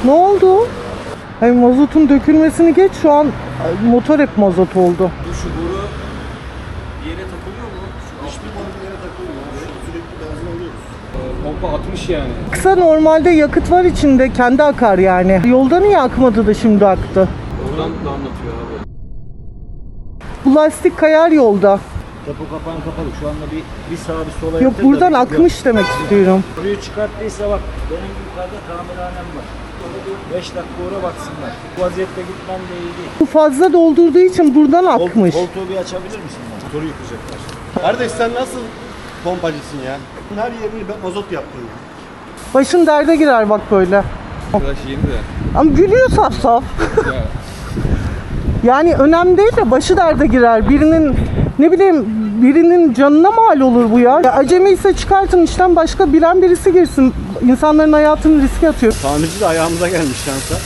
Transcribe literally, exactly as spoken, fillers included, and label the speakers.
Speaker 1: Ne oldu? Ay, mazotun dökülmesini geç, şu an motor hep mazot oldu.
Speaker 2: Şu boru bir yere takılıyor mu? Şu
Speaker 3: Hiçbir boru bir yere takılmıyor. Sürekli benzin alıyoruz.
Speaker 2: pompa atmış yani.
Speaker 1: Kısa normalde yakıt var içinde, kendi akar yani. Yolda niye akmadı da şimdi aktı?
Speaker 2: Oradan da anlatıyor abi.
Speaker 1: Bu lastik kayar yolda.
Speaker 3: Kapı kapağın kapalı. Şu anda bir, bir sağa bir sola
Speaker 1: Yok,
Speaker 3: yaptır da
Speaker 1: buradan
Speaker 3: bir-
Speaker 1: akmış demek istiyorum.
Speaker 3: Boruyu çıkarttıysa bak, benim yukarıda tamirhanem var. beş dakika uğra baksınlar. Bu vaziyette gitmem de iyi değil.
Speaker 1: Bu fazla doldurduğu için buradan
Speaker 3: Kol-
Speaker 1: akmış.
Speaker 3: Koltuğu bir açabilir misin? Motoru yıkacaklar.
Speaker 4: Kardeş sen nasıl pompacısın ya? Her yerini ben mazot yaptın ya.
Speaker 1: Başın derde girer bak böyle.
Speaker 2: Arkadaş yeni de.
Speaker 1: Ama gülüyor saf saf.
Speaker 2: Ya.
Speaker 1: Yani önemli değil de başı derde girer. Birinin, ne bileyim, birinin canına mal olur bu ya. Ya acemi ise çıkartın işten, başka bilen birisi girsin. İnsanların hayatını riske atıyor.
Speaker 4: Tamirci de ayağımıza gelmiş şansa.